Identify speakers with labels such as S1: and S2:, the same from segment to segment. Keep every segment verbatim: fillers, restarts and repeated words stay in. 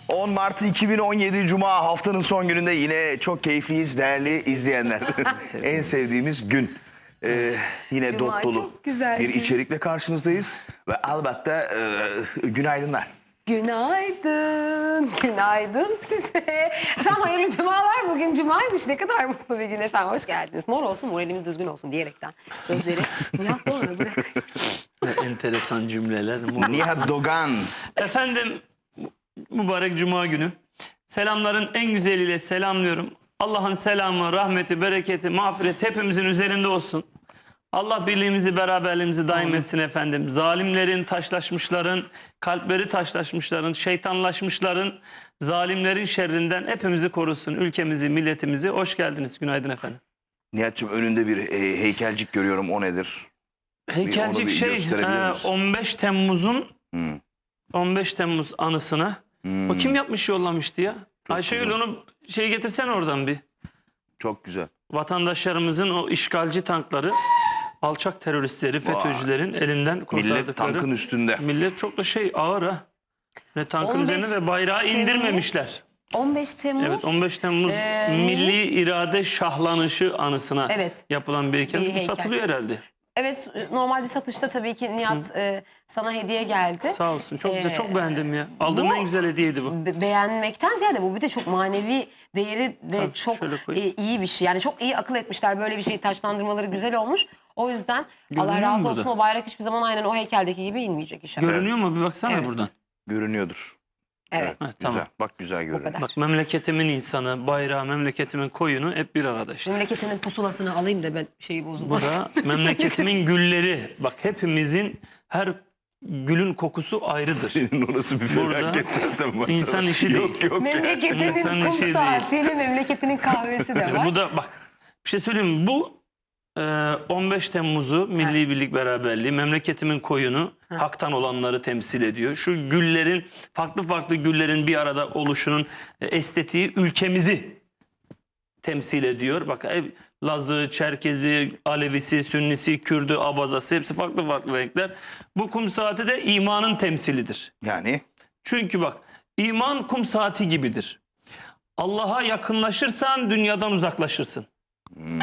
S1: on Mart iki bin on yedi Cuma, haftanın son gününde yine çok keyifliyiz değerli izleyenler. En sevdiğimiz gün. Ee, yine
S2: Cuma
S1: dop dolu
S2: çok güzel
S1: bir
S2: gün.
S1: içerikle karşınızdayız. Ve elbette e, günaydınlar.
S2: Günaydın, günaydın size. Sen hayırlı cumalar, bugün cumaymış, ne kadar mutlu bir gün efendim, hoş geldiniz. Mor olsun, moralimiz düzgün olsun diyerekten sözleri Nihat Doğan'a bırak.
S3: Enteresan cümleler.
S1: Nihat Dogan.
S3: Efendim, mübarek cuma günü. Selamların en güzeliyle selamlıyorum. Allah'ın selamı, rahmeti, bereketi, mağfireti hepimizin üzerinde olsun. Allah birliğimizi, beraberliğimizi daim etsin efendim. Zalimlerin, taşlaşmışların, kalpleri taşlaşmışların, şeytanlaşmışların, zalimlerin şerrinden hepimizi korusun. Ülkemizi, milletimizi. Hoş geldiniz. Günaydın efendim.
S1: Nihat'cığım önünde bir e, heykelcik görüyorum, o nedir?
S3: Heykelcik
S1: bir
S3: şey
S1: gösterebilir
S3: e,
S1: misin?
S3: on beş Temmuz'un
S1: Hmm.
S3: on beş Temmuz anısına.
S1: Hmm.
S3: O kim yapmış, yollamıştı ya?
S1: Çok
S3: Ayşegül,
S1: güzel.
S3: onu şey getirsen oradan bir.
S1: Çok güzel.
S3: Vatandaşlarımızın o işgalci tankları, alçak teröristleri, FETÖ'cülerin elinden kurtardıkları.
S1: Millet tankın üstünde.
S3: Millet çok da şey ağır ha. Ne tankın
S2: on beş
S3: üzerine ve bayrağı
S2: Temmuz,
S3: indirmemişler.
S2: on beş Temmuz.
S3: Evet, on beş Temmuz
S2: Ee,
S3: Milli
S2: neyi?
S3: İrade Şahlanışı anısına
S2: Evet.
S3: yapılan bir heykel.
S2: Bir
S3: Bu
S2: heykel.
S3: satılıyor herhalde.
S2: Evet, normalde satışta tabii ki Nihat e, sana hediye geldi.
S3: Sağ olsun. Çok güzel.
S2: Ee,
S3: Çok beğendim ya. Aldığım
S2: bu-
S3: en güzel hediyeydi bu.
S2: Be- beğenmekten ziyade bu bir de çok manevi değeri de
S3: Tabii,
S2: çok
S3: şöyle
S2: e,
S3: koyayım.
S2: iyi bir şey. Yani çok iyi akıl etmişler, böyle bir şeyi taçlandırmaları güzel olmuş. O yüzden
S3: Görünüyor
S2: Allah razı
S3: mu
S2: olsun,
S3: burada?
S2: o bayrak hiçbir zaman aynen o heykeldeki gibi inmeyecek inşallah.
S3: Görünüyor mu? Bir baksana
S2: Evet.
S3: buradan.
S1: Görünüyordur.
S2: Evet.
S3: Ha,
S1: Güzel.
S3: tamam.
S1: Bak güzel görünüyor.
S2: kadar.
S3: Bak, memleketimin insanı, bayrağı, memleketimin koyunu hep bir arada işte.
S2: Memleketinin pusulasını alayım da ben şeyi
S3: Bu
S2: bozulmaz.
S3: da memleketimin gülleri. Bak, hepimizin her gülün kokusu ayrıdır.
S1: Senin orası bir
S3: Burada
S1: felaket zaten. baksana.
S3: insan işi
S1: Yok
S3: değil.
S1: yok.
S2: Memleketinin
S3: İnsan işi
S2: kum
S3: değil.
S2: saatiyle memleketinin kahvesi de var.
S3: Bu da bak, bir şey söyleyeyim mi? Bu e, on beş Temmuz'u, Milli Birlik Beraberliği, memleketimin koyunu,
S2: Ha.
S3: haktan olanları temsil ediyor. Şu güllerin, farklı farklı güllerin bir arada oluşunun e, estetiği ülkemizi temsil ediyor. Bak, ev, Lazı, Çerkezi, Alevisi, Sünnisi, Kürdü, Abazası, hepsi farklı farklı renkler. Bu kum saati de imanın temsilidir.
S1: Yani
S3: Çünkü bak, iman kum saati gibidir. Allah'a yakınlaşırsan dünyadan uzaklaşırsın.
S1: hmm,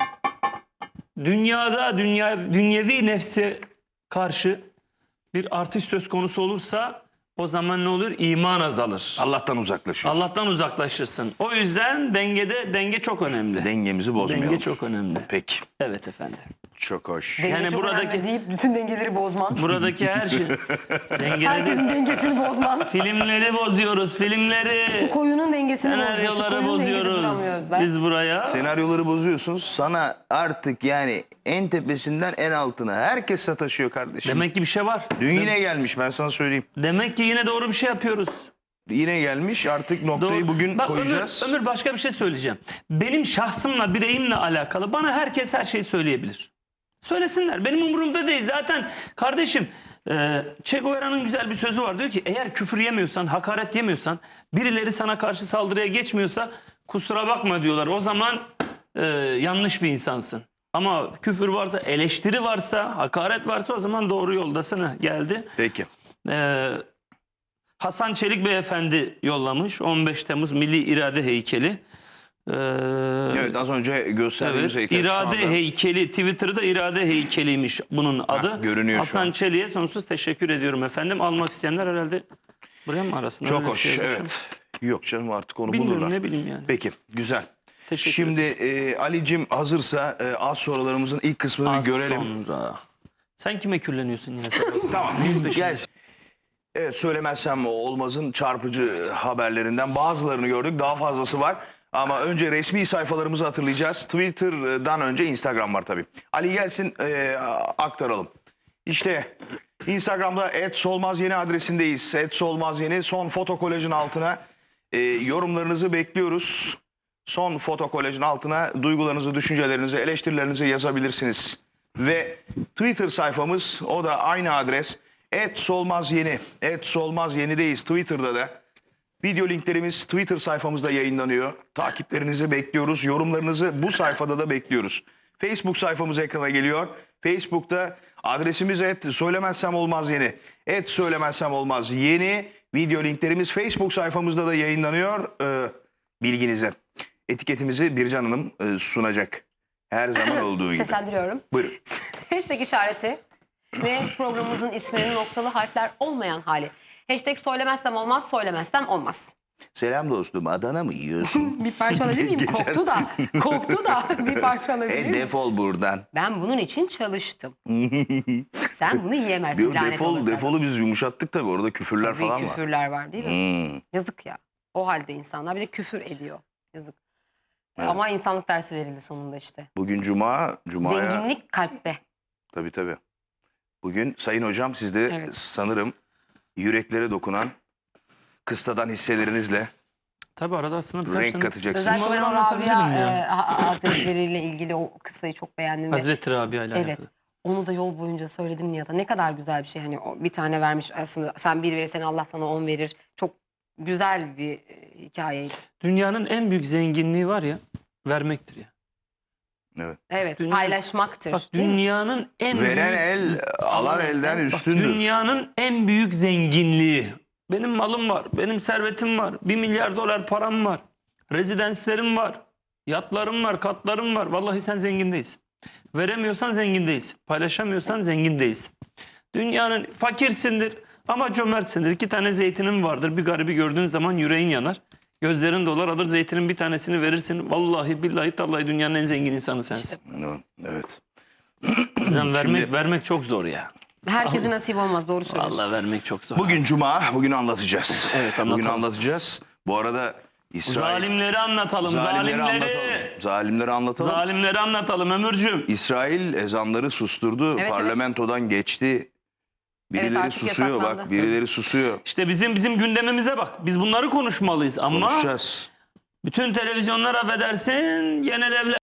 S3: Dünyada dünya dünyevi nefse karşı bir artış söz konusu olursa o zaman ne olur? İman azalır.
S1: Allah'tan uzaklaşıyoruz.
S3: Allah'tan uzaklaşırsın. O yüzden dengede denge çok önemli.
S1: Dengemizi bozmayalım.
S3: Denge çok önemli.
S1: Peki.
S3: Evet efendim.
S1: Çok hoş.
S2: Denge
S3: Yani
S2: çok
S3: buradaki-
S2: önemli deyip bütün dengeleri bozman.
S3: Buradaki her şey dengeleri,
S2: Herkesin dengesini bozman.
S3: filmleri bozuyoruz. Filmleri,
S2: Şu koyunun dengesini bozuyor. Şu
S3: senaryoları
S2: koyunun dengede
S3: bozuyoruz.
S2: duramıyoruz ben.
S3: Biz buraya
S1: Senaryoları bozuyorsun. Sana artık yani en tepesinden en altına herkes sataşıyor kardeşim.
S3: demek ki bir şey var.
S1: Dün yine gelmiş, ben sana söyleyeyim.
S3: Demek ki yine doğru bir şey yapıyoruz.
S1: Yine gelmiş, artık noktayı
S3: Doğru.
S1: bugün
S3: Bak,
S1: koyacağız.
S3: Ömür, Ömür, başka bir şey söyleyeceğim. Benim şahsımla, bireyimle alakalı bana herkes her şeyi söyleyebilir. Söylesinler. Benim umurumda değil. Zaten kardeşim, e, Che Guevara'nın güzel bir sözü var. Diyor ki, eğer küfür yemiyorsan, hakaret yemiyorsan, birileri sana karşı saldırıya geçmiyorsa kusura bakma diyorlar. O zaman e, yanlış bir insansın. Ama küfür varsa, eleştiri varsa, hakaret varsa o zaman doğru yoldasın. Ha, geldi.
S1: Peki.
S3: Ee, Hasan Çelik Beyefendi yollamış. on beş Temmuz Milli İrade Heykeli. Ee,
S1: Evet, az önce gösterdiğimiz
S3: evet,
S1: heykel şu
S3: İrade
S1: anda-
S3: Heykeli. Twitter'da İrade Heykeliymiş bunun adı.
S1: görünüyor şu
S3: Hasan
S1: an.
S3: Çelik'e sonsuz teşekkür ediyorum efendim. Almak isteyenler herhalde buraya mı arasında?
S1: Çok
S3: Öyle bir
S1: hoş,
S3: şey yazmışım.
S1: evet. Yok canım, artık onu
S3: Bilmiyorum,
S1: bulurlar.
S3: ne bileyim yani.
S1: Peki, güzel.
S3: Teşekkür
S1: Şimdi e, Ali'cim hazırsa e, az sorularımızın ilk kısmını bir
S3: Az
S1: görelim.
S3: sonra. Sen kime külleniyorsun yine?
S1: Tamam, biz gelsin. Evet, söylemezsem olmazın çarpıcı haberlerinden bazılarını gördük. Daha fazlası var. Ama önce resmi sayfalarımızı hatırlayacağız. Twitter'dan önce Instagram var tabii. Ali gelsin, e, aktaralım. İşte Instagram'da et solmaz yeni adresindeyiz. Et solmaz yeni son foto kolajın altına e, yorumlarınızı bekliyoruz. Son foto kolajın altına duygularınızı, düşüncelerinizi, eleştirilerinizi yazabilirsiniz. Ve Twitter sayfamız, o da aynı adres. Et solmaz yeni. Et solmaz yenideyiz Twitter'da da. Video linklerimiz Twitter sayfamızda yayınlanıyor. Takiplerinizi bekliyoruz. Yorumlarınızı bu sayfada da bekliyoruz. Facebook sayfamız ekrana geliyor. Facebook'ta adresimiz et söylemezsem olmaz yeni. Et söylemezsem olmaz yeni. Video linklerimiz Facebook sayfamızda da yayınlanıyor. Ee, bilginize. Etiketimizi Bircan Hanım e, sunacak. Her zaman olduğu gibi.
S2: Seslendiriyorum.
S1: Buyurun.
S2: Hashtag işareti ve programımızın isminin noktalı harfler olmayan hali. Hashtag söylemezsem olmaz, söylemezsem olmaz.
S1: Selam dostum, Adana mı yiyorsun?
S2: Bir parça alabilir miyim?
S1: Geçen-
S2: Korktu da. Korktu da. Bir parça alabilir
S1: e
S2: miyim?
S1: defol buradan.
S2: Ben bunun için çalıştım. Sen bunu yiyemezsin.
S1: Bir
S2: lanet
S1: defol,
S2: olası.
S1: defolu biz yumuşattık tabii. Orada küfürler
S2: Tabii
S1: falan var.
S2: küfürler var değil mi?
S1: Hmm.
S2: Yazık ya. O halde insanlar bir de küfür ediyor. Yazık.
S1: Evet.
S2: Ama insanlık dersi verildi sonunda işte.
S1: Bugün Cuma. Cuma'ya...
S2: Zenginlik kalpte.
S1: Tabii tabii. Bugün Sayın Hocam siz de
S2: Evet.
S1: sanırım yüreklere dokunan kıstadan hisselerinizle
S3: Tabii arada aslında birkaç
S1: renk
S3: tane-
S1: katacaksınız.
S2: Özellikle ben o
S3: anlatabilirim
S2: Rabia
S3: ya.
S2: e, Ha- Hazretleriyle ilgili o kıssayı çok beğendim. ve
S3: Hazreti Rabia ile
S2: Evet.
S3: alakalı.
S2: Onu da yol boyunca söyledim Nihat'a. Ne kadar güzel bir şey. Hani o bir tane vermiş aslında. Sen bir verirsen Allah sana on verir. Çok güzel bir e, hikayeydi.
S3: Dünyanın en büyük zenginliği var ya, vermektir ya.
S2: Evet.
S3: Dünya-
S2: Paylaşmaktır.
S3: Bak
S2: değil mi?
S3: dünyanın en
S1: Veren
S3: büyük...
S1: el alan elden
S3: Bak,
S1: üstündür.
S3: dünyanın en büyük zenginliği. Benim malım var, benim servetim var, bir milyar dolar param var, rezidenslerim var, yatlarım var, katlarım var. Vallahi sen zengin değilsin. Veremiyorsan zengin değilsin. Paylaşamıyorsan zengin değilsin. Dünyanın fakirsindir ama cömertsindir. İki tane zeytinin vardır. Bir garibi gördüğün zaman yüreğin yanar. Gözlerin dolar, alır zeytinin bir tanesini verirsin. Vallahi billahi tallahi dünyanın en zengin insanı sensin.
S1: Evet.
S3: O yüzden vermek,
S1: Şimdi-
S3: vermek çok zor ya.
S2: Herkese nasip olmaz. Doğru söylüyorsun.
S3: Vallahi vermek çok zor.
S1: Bugün Cuma, bugün anlatacağız.
S3: Evet,
S1: Bugün
S3: anlatalım.
S1: anlatacağız. Bu arada İsrail...
S3: Zalimleri anlatalım.
S1: Zalimleri
S3: Zalimleri.
S1: anlatalım. Zalimleri anlatalım.
S3: Zalimleri anlatalım Ömürcüğüm.
S1: İsrail ezanları susturdu.
S2: Evet,
S1: Parlamentodan geçti. Birileri
S2: artık
S1: susuyor
S2: yasaklandı.
S1: bak. Birileri susuyor.
S3: İşte bizim bizim gündemimize bak. Biz bunları konuşmalıyız ama
S1: Konuşacağız.
S3: bütün televizyonlar affedersin genel evler.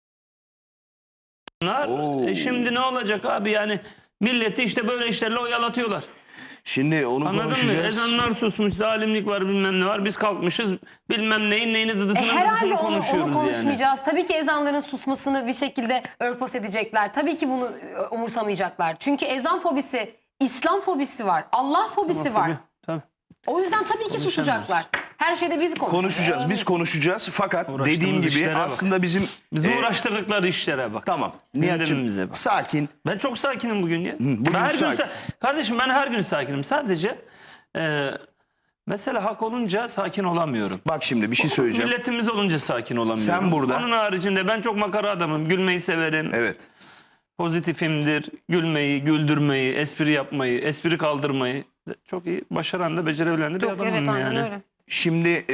S1: Oo.
S3: E şimdi ne olacak abi yani milleti işte böyle işlerle oyalatıyorlar.
S1: Şimdi onu
S3: Anladın mı?
S1: konuşacağız.
S3: Ezanlar susmuş, zalimlik var bilmem ne var. Biz kalkmışız bilmem neyin neyini
S2: E,
S3: dıdısını
S2: herhalde
S3: dıdısını
S2: onu,
S3: konuşuyoruz
S2: onu
S3: yani.
S2: konuşmayacağız. Tabii ki ezanların susmasını bir şekilde örtbas edecekler. Tabii ki bunu e, umursamayacaklar. Çünkü ezan fobisi, İslam fobisi var, Allah fobisi var.
S3: Tabii, tabii.
S2: O yüzden tabii ki
S3: Konuşamıyoruz.
S2: susacaklar. Her şeyde biz konuşacağız.
S1: Konuşacağız. Biz konuşacağız. Fakat
S3: Uğraştığımız
S1: dediğim gibi
S3: işlere bak.
S1: aslında bizim...
S3: Bizi
S1: e,
S3: uğraştırdıkları işlere bak.
S1: Tamam.
S3: Gündemimize
S1: Nihat'cığım
S3: bak.
S1: sakin.
S3: Ben çok sakinim bugün ya.
S1: bugün
S3: ben her gün
S1: sakin.
S3: sa- Kardeşim ben her gün sakinim. Sadece e, mesela hak olunca sakin olamıyorum.
S1: Bak şimdi bir şey söyleyeceğim.
S3: Milletimiz olunca sakin olamıyorum.
S1: Sen burada-
S3: Onun haricinde ben çok makara adamım. Gülmeyi severim.
S1: Evet.
S3: Pozitifimdir. Gülmeyi, güldürmeyi, espri yapmayı, espri kaldırmayı çok iyi başaran da becerebilen de bir
S2: Çok,
S3: adamım
S2: evet aynen
S3: yani.
S2: öyle.
S1: Şimdi e,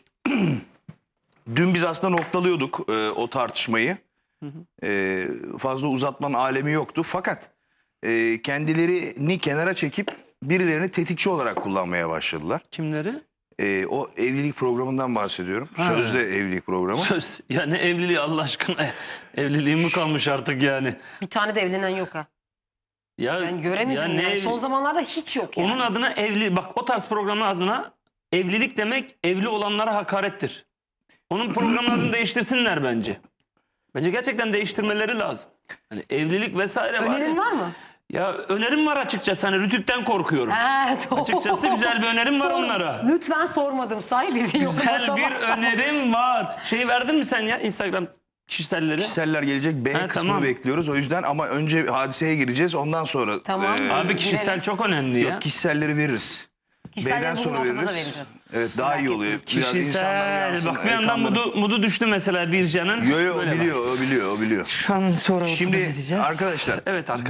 S1: dün biz aslında noktalıyorduk e, o tartışmayı. E, fazla uzatmanın alemi yoktu. Fakat e, kendilerini kenara çekip birilerini tetikçi olarak kullanmaya başladılar.
S3: Kimleri?
S1: E, o evlilik programından bahsediyorum.
S3: Ha.
S1: Sözde evlilik programı.
S3: Söz. Ya ne evliliği Allah aşkına. Evliliğim mi kalmış artık yani?
S2: Bir tane de evlenen yok ha.
S3: Ya,
S2: Ben göremedim
S3: ya
S2: yani.
S3: ne ev-
S2: Son zamanlarda hiç yok yani.
S3: Onun adına evli, bak o tarz programın adına evlilik demek evli olanlara hakarettir. Onun programın adını değiştirsinler bence. Bence gerçekten değiştirmeleri lazım. Hani evlilik vesaire var.
S2: Önerin
S3: ya.
S2: var mı?
S3: Ya önerim var açıkçası. Hani Rütük'ten korkuyorum.
S2: Ha, doğru.
S3: Açıkçası güzel bir önerim var
S2: Sor-
S3: onlara.
S2: Lütfen sormadım say bizi.
S3: Güzel
S2: yoksa
S3: bir
S2: sabah-
S3: önerim var. Şeyi verdin mi sen ya Instagram kişiselleri?
S1: Kişiseller gelecek B
S3: Ha,
S1: kısmını
S3: tamam.
S1: bekliyoruz. O yüzden ama önce hadiseye gireceğiz. Ondan sonra
S2: Tamam.
S1: e,
S3: Abi kişisel
S2: Girelim.
S3: çok önemli ya.
S1: yok, kişiselleri veririz.
S2: Kişiselleri
S1: B'den
S2: bugün
S1: sonra
S2: ortada da
S1: veririz.
S2: vereceğiz.
S1: Evet daha
S2: Merak
S1: iyi oluyor.
S2: etme.
S1: Biraz insanlar
S3: Kişisel.
S1: yansın,
S3: Bak bir yandan
S1: ekranlara.
S3: mudu, mudu düştü mesela Bircan'ın.
S1: Yo yo o
S3: Böyle bak.
S1: biliyor, o biliyor, o biliyor.
S3: Şu an sonra
S1: Şimdi
S3: ortada vereceğiz.
S1: arkadaşlar
S3: Evet arkadaşlar.